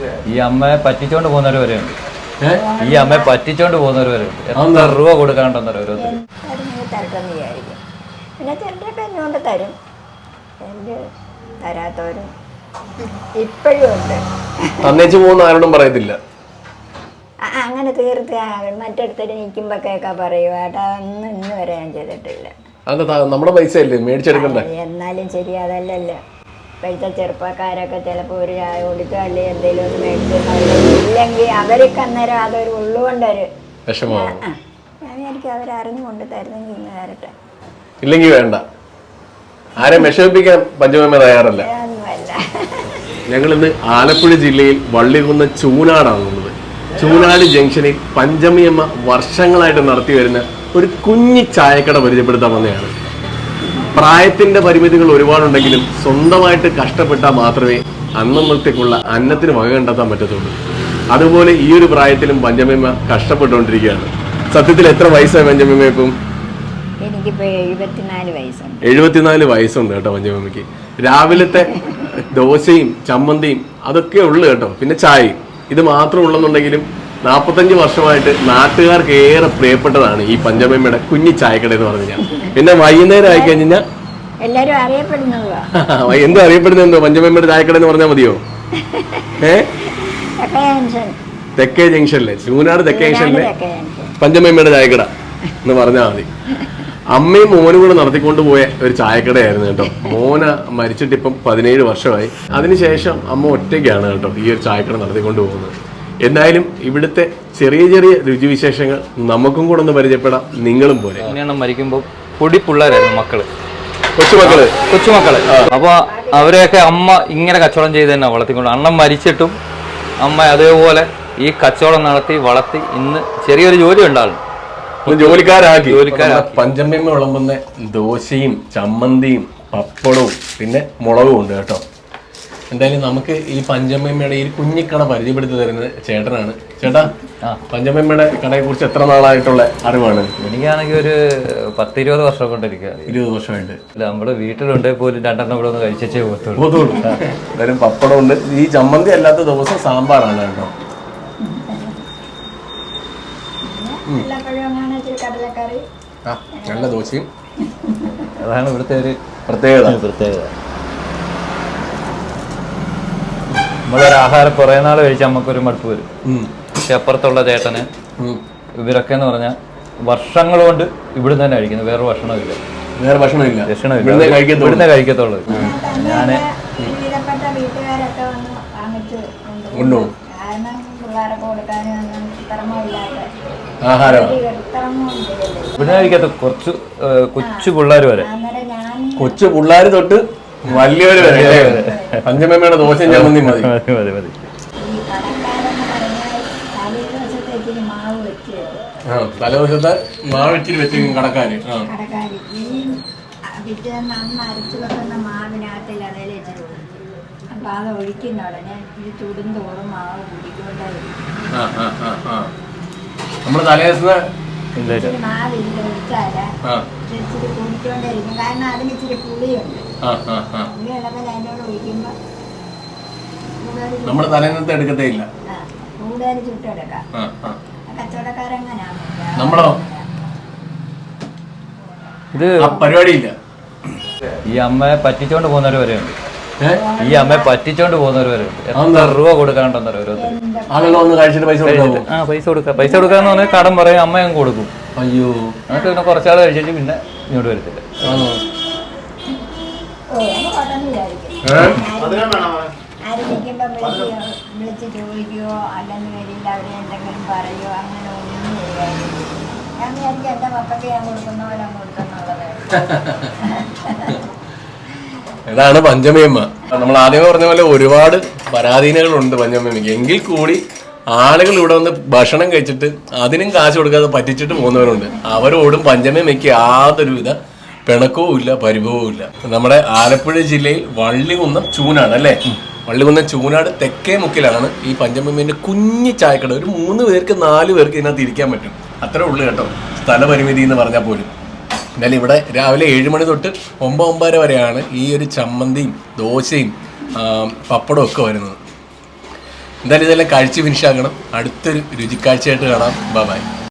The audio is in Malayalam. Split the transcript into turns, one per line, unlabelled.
ഈ അമ്മയെ പറ്റിച്ചോണ്ട് പോകുന്നവർ വരെയുണ്ട്. ഈ അമ്മയെ പറ്റിച്ചോണ്ട് പോകുന്നവർ വരെയുണ്ട്. എത്ര രൂപ കൊടുക്കാണ്ടെന്നോ ഓരോരുത്തർ.
പിന്നെ ചിലരൊക്കെ എന്നോണ്ട് തരും, തരാത്തവരും ഇപ്പോഴും ഉണ്ട്.
തന്നേച്ചു പോകുന്ന ആരോടും പറയത്തില്ല.
അങ്ങനെ തീർത്ത് മറ്റടുത്തൊരു നിൽക്കുമ്പോഴൊക്കെ പറയും ഏട്ടാ, ഇന്ന് വരെ ഞാൻ ചെയ്തിട്ടില്ല.
നമ്മുടെ പൈസ അല്ലേ മേടിച്ചെടുക്കണ്ടേ?
എന്നാലും ശരി, അതല്ലല്ലോ. ഇപ്പോഴത്തെ ചെറുപ്പക്കാരൊക്കെ ചിലപ്പോൾ ഒരു ചായ കൊടുക്കുക അല്ലെങ്കിൽ എന്തെങ്കിലും ഒന്ന് മേടിച്ചു, ഇല്ലെങ്കിൽ അവർക്ക് അന്നേരം അതൊരു ഉള്ളുകൊണ്ടൊരു
വിഷമമാണ്.
ഞാൻ വിചാരിക്കും അവരറിഞ്ഞു കൊണ്ട് തരുന്നെങ്കിൽ ഇന്ന് തരട്ടെ,
ഇല്ലെങ്കിൽ വേണ്ട. ആരെ വിഷമിപ്പിക്കാൻ പഞ്ചമമ്മ തയ്യാറല്ല. ഞങ്ങൾ ഇന്ന് ആലപ്പുഴ ജില്ലയിൽ വള്ളികുന്ന് ചൂനാടാണുള്ളത്. ചൂനാട് ജംഗ്ഷനിൽ പഞ്ചമിയമ്മ വർഷങ്ങളായിട്ട് നടത്തി വരുന്ന ഒരു കുഞ്ഞി ചായക്കട പരിചയപ്പെടുത്താൻ വന്നതാണ്. പ്രായത്തിന്റെ പരിമിതികൾ ഒരുപാടുണ്ടെങ്കിലും സ്വന്തമായിട്ട് കഷ്ടപ്പെട്ടാൽ മാത്രമേ അന്നത്തേക്കുള്ള അന്നത്തിന് വക കണ്ടെത്താൻ പറ്റത്തുള്ളൂ. അതുപോലെ ഈ ഒരു പ്രായത്തിലും പഞ്ചമിയമ്മ കഷ്ടപ്പെട്ടുകൊണ്ടിരിക്കുകയാണ്. സത്യത്തിൽ എത്ര വയസ്സായി പഞ്ചമിയമ്മ ഇപ്പം?
എനിക്കിപ്പോ 74 വയസ്സുണ്ട്.
74 വയസ്സുണ്ട് കേട്ടോ പഞ്ചമിയമ്മയ്ക്ക്. രാവിലത്തെ ദോശയും ചമ്മന്തിയും അതൊക്കെ ഉള്ളു കേട്ടോ, പിന്നെ ചായയും. ഇത് മാത്രം ഉള്ളെന്നുണ്ടെങ്കിലും 45 വർഷമായിട്ട് നാട്ടുകാർക്ക് ഏറെ പ്രിയപ്പെട്ടതാണ് ഈ പഞ്ചമമ്മയുടെ കുഞ്ഞി ചായക്കട എന്ന് പറഞ്ഞു കഴിഞ്ഞാൽ. പിന്നെ വൈകുന്നേരം ആയി കഴിഞ്ഞാൽ
എല്ലാരും അറിയപ്പെടുന്നതോ
എന്തോ അറിയപ്പെടുന്നതെന്തോ പഞ്ചമമ്മയുടെ ചായക്കട എന്ന് പറഞ്ഞാൽ മതിയോ? തെക്കേ ജംഗ്ഷനിലെ ചൂനാട് തെക്കേ ജംഗ്ഷനിലെ പഞ്ചമമ്മയുടെ ചായക്കട എന്ന് പറഞ്ഞാൽ മതി. അമ്മയും മോനും കൂടെ നടത്തിക്കൊണ്ട് പോയ ഒരു ചായക്കടയായിരുന്നു കേട്ടോ. മോന മരിച്ചിട്ട് ഇപ്പം 17 വർഷമായി. അതിനുശേഷം അമ്മ ഒറ്റയ്ക്കാണ് കേട്ടോ ഈ ഒരു ചായക്കട നടത്തിക്കൊണ്ട് പോകുന്നത്. എന്തായാലും ഇവിടുത്തെ ചെറിയ ചെറിയ രുചിവിശേഷങ്ങൾ നമുക്കും കൂടെ ഒന്ന് പരിചയപ്പെടാം. നിങ്ങളും പോലെ
മരിക്കുമ്പോൾ പൊടി പിള്ളേരായിരുന്നു മക്കള്,
കൊച്ചുമക്കള്.
അപ്പൊ അവരെയൊക്കെ അമ്മ ഇങ്ങനെ കച്ചവടം ചെയ്ത് തന്നെ വളർത്തിക്കൊണ്ട്, അണ്ണൻ മരിച്ചിട്ടും അമ്മ അതേപോലെ ഈ കച്ചവടം നടത്തി വളർത്തി ഇന്ന് ചെറിയൊരു ജോലി ഉണ്ടാകും,
ജോലിക്കാരാക്കി. പഞ്ചമമ്മ വിളമ്പുന്ന ദോശയും ചമ്മന്തിയും പപ്പടവും പിന്നെ മുളകും ഉണ്ട് കേട്ടോ. എന്തായാലും നമുക്ക് ഈ പഞ്ചമമ്മയുടെ ഈ കുഞ്ഞിക്കട പരിചയപ്പെടുത്തി തരുന്നത് ചേട്ടനാണ്. ചേട്ടാ, പഞ്ചമമ്മയുടെ കടയെ കുറിച്ച് എത്ര നാളായിട്ടുള്ള അറിവാണ്?
എനിക്കാണെങ്കിൽ ഒരു 10-20 വർഷം കൊണ്ടിരിക്കുക.
20 വർഷമായിട്ട്
നമ്മുടെ വീട്ടിലുണ്ടെങ്കിൽ പോലും 2 എണ്ണം കൂടെ ഒന്ന് കഴിച്ചേ
പോകത്തുള്ളൂ. എന്തായാലും പപ്പടം ഉണ്ട്. ഈ ചമ്മന്തി അല്ലാത്ത ദിവസം സാമ്പാറാണ് കേട്ടോ. നല്ല ദോശയും,
അതാണ് ഇവിടുത്തെ ഒരു
പ്രത്യേകത.
നമ്മളൊരു ആഹാരം കുറേ നാൾ കഴിച്ചാൽ നമുക്കൊരു മടുപ്പ് വരും. പക്ഷെ അപ്പുറത്തുള്ള ചേട്ടന് ഇവരൊക്കെ എന്ന് പറഞ്ഞാൽ വർഷങ്ങൾ കൊണ്ട് ഇവിടുന്ന് തന്നെ കഴിക്കുന്നത്. വേറെ ഭക്ഷണമില്ല, ഇവിടുന്ന് കഴിക്കത്തുള്ളൂ. ഞാന് ഇവിടുന്ന് കഴിക്കാത്ത കുറച്ച് കൊച്ചു പിള്ളേർ വരെ,
കൊച്ചു പിള്ളേർ തൊട്ട് വലിയവര് വരെ പഞ്ചമമ്മയുടെ ദോശയും ചമ്മന്തി മതി. തലേദിവസത്തെ മാവ് ഇച്ചിരി വെച്ചിരിക്കും കടക്കാര്. നമ്മള് തലേദിവസത്തെ നമ്മള് തലേന്നത്തെ എടുക്കത്തേ ഇല്ല. നമ്മളോ
ഇത്
പരിപാടിയില്ല.
ഈ അമ്മയെ പറ്റിച്ചോണ്ട് പോകുന്നവർ വരെയുണ്ട്. ഈ അമ്മയെ പറ്റിച്ചോണ്ട് പോകുന്നവർ വരെയുണ്ട്. എത്ര രൂപ കൊടുക്കാണ്ടെന്നോ ഓരോരുത്തർ. പൈസ കൊടുക്കാന്ന് പറഞ്ഞാൽ കടം പറയും, അമ്മ അങ്ങ് കൊടുക്കും.
അയ്യോ,
എന്നിട്ട് പിന്നെ കുറച്ചാൾ കഴിച്ചിട്ട് പിന്നെ ഇങ്ങോട്ട് വരത്തില്ല.
വിളിച്ച് ചോദിക്കുകയോ അല്ലെങ്കിൽ വരില്ല അവരെ എന്തെങ്കിലും പറയുകയോ അങ്ങനെ ഒന്നും ചെയ്യാറില്ല. ഞാൻ വിചാരിക്കും എൻ്റെ മക്കൾക്ക് ഞാൻ കൊടുക്കുന്ന പോലെ കൊടുക്കുന്നുള്ളത്.
ഇതാണ് പഞ്ചമയമ്മ. നമ്മൾ ആദ്യമേ പറഞ്ഞ പോലെ ഒരുപാട് പരാധീനകളുണ്ട് പഞ്ചമയമ്മയ്ക്ക്. എങ്കിൽ കൂടി ആളുകൾ ഇവിടെ വന്ന് ഭക്ഷണം കഴിച്ചിട്ട് അതിനും കാശ് കൊടുക്കാതെ പറ്റിച്ചിട്ട് പോകുന്നവരുണ്ട്. അവരോടും പഞ്ചമയമ്മയ്ക്ക് യാതൊരുവിധ പിണക്കവും ഇല്ല, പരിഭവവും ഇല്ല. നമ്മുടെ ആലപ്പുഴ ജില്ലയിൽ വള്ളികുന്നം ചൂനാട് അല്ലേ? വള്ളികുന്നം ചൂനാട് തെക്കേ മുക്കിലാണ് ഈ പഞ്ചമമ്മേന്റെ കുഞ്ഞി ചായക്കട. ഒരു 3 പേർക്ക് 4 പേർക്ക് ഇതിനകത്ത് ഇരിക്കാൻ പറ്റും, അത്രേ ഉള്ളു കേട്ടോ സ്ഥലപരിമിതി എന്ന് പറഞ്ഞാൽ പോലും. എന്നാലും ഇവിടെ രാവിലെ 7 മണി തൊട്ട് 9-9:30 വരെയാണ് ഈ ഒരു ചമ്മന്തിയും ദോശയും പപ്പടവും ഒക്കെ വരുന്നത്. എന്തായാലും ഇതെല്ലാം കഴിച്ച് ഫിനിഷ് ആക്കണം. അടുത്തൊരു രുചിക്കാഴ്ചയായിട്ട് കാണാം. ബൈ.